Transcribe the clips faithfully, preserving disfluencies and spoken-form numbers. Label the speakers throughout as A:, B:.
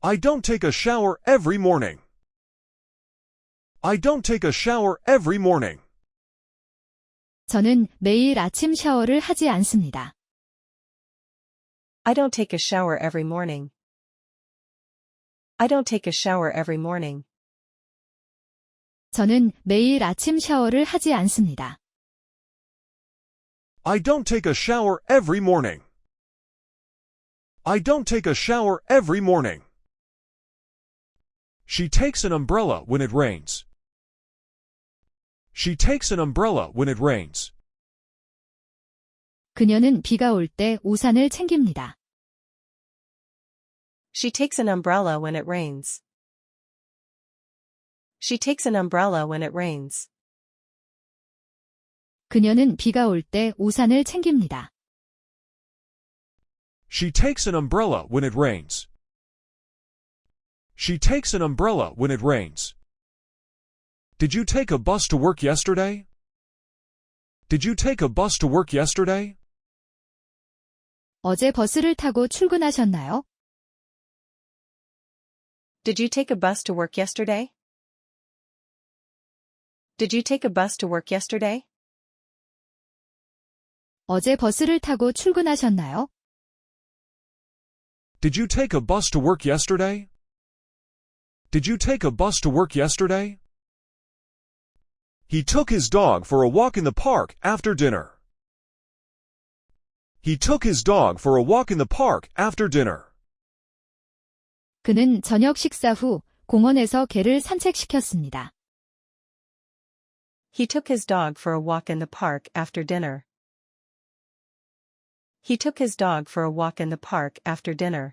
A: I don't take a shower every morning. I don't take a shower every morning.
B: 저는 매일 아침 샤워를 하지 않습니다.
C: I don't take a shower every morning. I don't take a shower every morning.
B: 저는 매일 아침 샤워를 하지 않습니다.
A: I don't take a shower every morning. I don't take a shower every morning. She takes an umbrella when it rains. She takes an umbrella when it rains.
B: 그녀는 비가 올 때 우산을 챙깁니다.
C: She takes an umbrella when it rains. She takes an umbrella when it rains.
B: 그녀는 비가 올 때 우산을 챙깁니다.
A: She takes an umbrella when it rains. She takes an umbrella when it rains. Did you take a bus to work yesterday? Did you take a bus to work yesterday?
B: 어제 버스를 타고 출근하셨나요?
C: Did you take a bus to work yesterday? Did you take a bus to work yesterday?
B: 어제 버스를 타고 출근하셨나요?
A: Did you take a bus to work yesterday? Did you take a bus to work yesterday? He took his dog for a walk in the park after dinner. He took his dog for a walk in the park after dinner.
B: 그는 저녁 식사 후 공원에서 개를 산책시켰습니다.
C: He took his dog for a walk in the park after dinner. He took his dog for a walk in the park after dinner.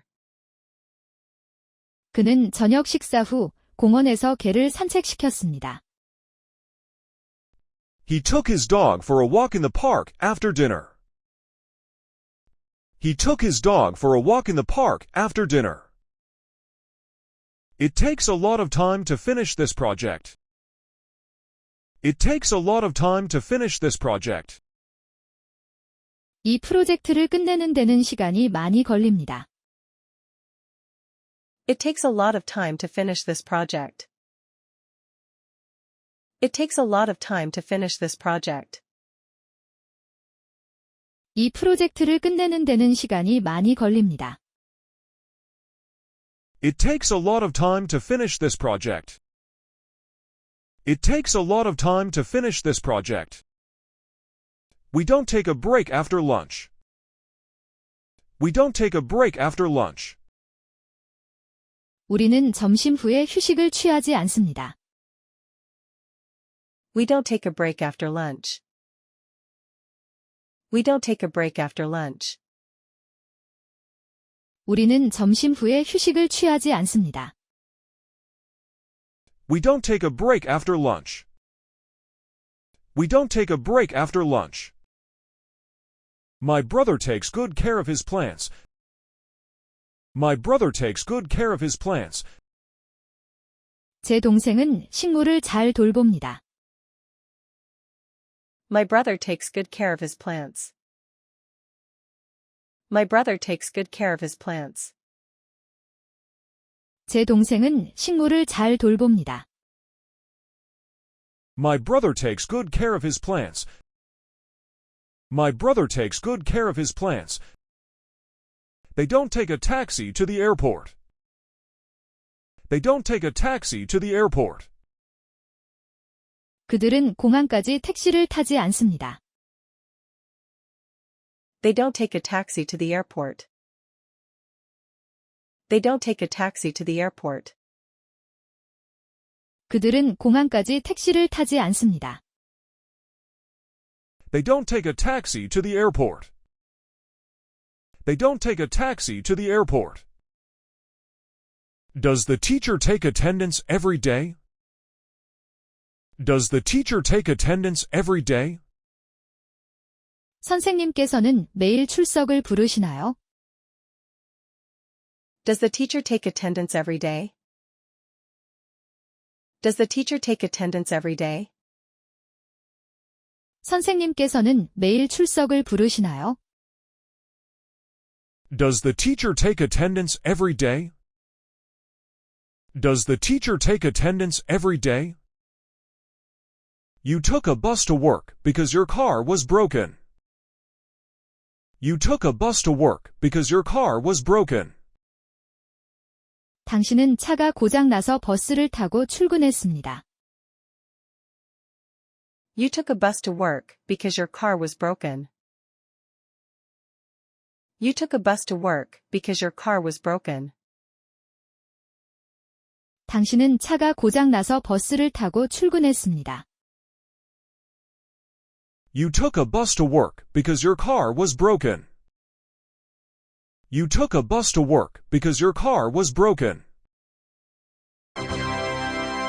B: 그는 저녁 식사 후 공원에서 개를 산책시켰습니다.
A: He took his dog for a walk in the park after dinner. He took his dog for a walk in the park after dinner. It takes a lot of time to finish this project. It takes a lot of time to finish this project.
B: 이 프로젝트를 끝내는 데는 시간이 많이 걸립니다.
C: It takes a lot of time to finish this project. It takes a lot of time to finish this project.
B: 이 프로젝트를 끝내는 데는 시간이 많이 걸립니다.
A: It takes a lot of time to finish this project. It takes a lot of time to finish this project. We don't take a break after lunch. We don't take a break after lunch.
B: 우리는 점심 후에 휴식을 취하지 않습니다.
C: We don't take a break after lunch. We don't take a break after lunch.
B: 우리는 점심 후에 휴식을 취하지 않습니다.
A: We don't take a break after lunch. We don't take a break after lunch. My brother takes good care of his plants. My brother takes good care of his plants.
B: 제 동생은 식물을 잘 돌봅니다.
C: My brother takes good care of his plants. My brother takes good care of his plants.
B: 제 동생은 식물을 잘 돌봅니다.
A: My brother takes good care of his plants. My brother takes good care of his plants. They don't take a taxi to the airport. They don't take a taxi to the airport.
B: 그들은 공항까지 택시를 타지 않습니다.
C: They don't take a taxi to the airport. They don't take a taxi to the airport.
B: 그들은 공항까지 택시를 타지 않습니다.
A: They don't take a taxi to the airport. They don't take a taxi to the airport. Does the teacher take attendance every day? Does the teacher take attendance every day?
B: 선생님께서는 매일 출석을 부르시나요?
C: Does the teacher take attendance every day? Does the teacher take attendance every day?
B: 선생님께서는 매일 출석을 부르시나요?
A: Does the teacher take attendance every day? Does the teacher take attendance every day? You took a bus to work because your car was broken. You took a bus to work because your car was broken.
B: 당신은 차가 고장 나서 버스를 타고 출근했습니다.
C: You took a bus to work because your car was broken. You took a bus to work because your car was broken.
B: 당신은 차가 고장 나서 버스를 타고 출근했습니다.
A: You took a bus to work because your car was broken. You took a bus to work because your car was broken.